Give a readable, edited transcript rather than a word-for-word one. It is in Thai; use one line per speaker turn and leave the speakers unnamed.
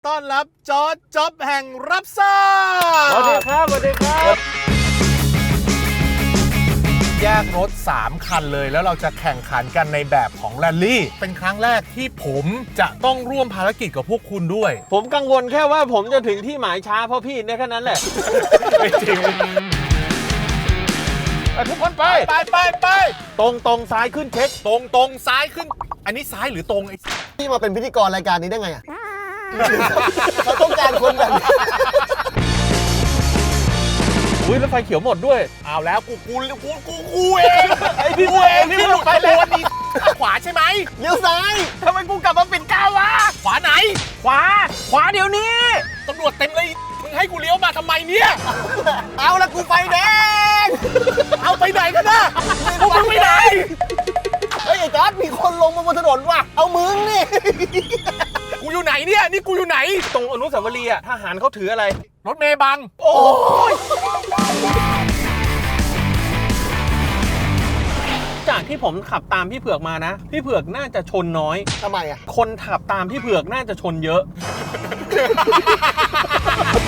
ต้อนรับจอร์จจ๊อบแห่งรับทราบ
สวัสดีครับสวัสดีครับ
แยกรถ 3 คันเลยแล้วเราจะแข่งขันกันในแบบของแรลลี่เป็นครั้งแรกที่ผมจะต้องร่วมภารกิจกับพวกคุณด้วย
ผมกังวลแค่ว่าผมจะถึงที่หมายช้าเพราะพี่เนี่ยแค่นั้นแหละ
ไม่จริง
ทุกคนไป
ไป
ตรงซ้ายขึ้นเช็ค
ตรงซ้ายขึ้น อันนี้ซ้ายหรือตรงไอ้
พี่มาเป็นพิธีกรรายการนี้ได้ไงอ่ะ เขาต้องการคนแบบนี้
อุ้ยแล้วไฟเขียวหมดด้วย
เอาแล้วกูเอง
ไอพี่เองพี่หลุดไปแล้ว
นี่ขวาใช่ไหม
เลี้ยวซ้าย
ทำไมกูกลับมาปิดก้าววะ
ขวาไหน
ขวาเดี๋ยวนี้
ตำรวจเต็มเลยมึงให้กูเลี้ยวมาทำไมเนี่ย
เอาละกูไฟแดง
เอาไปไหนกันนะพวกมึงไปไหน
เฮ้ยไอ้จอร์ดมีคนลงมาบนถนนว่ะ เอามึงนี่
กูอยู่ไหนเนี่ยนี่กูอยู่ไหน
ตรงอนุสาวรีย์อะทหารเขาถืออะไร
รถเมย์บัง
โอ้ยจากที่ผมขับตามพี่เผือกมานะ พี่เผือกน่าจะชนน้อย
ทำไมอ่ะ
คนขับตามพี่เผือกน่าจะชนเยอะ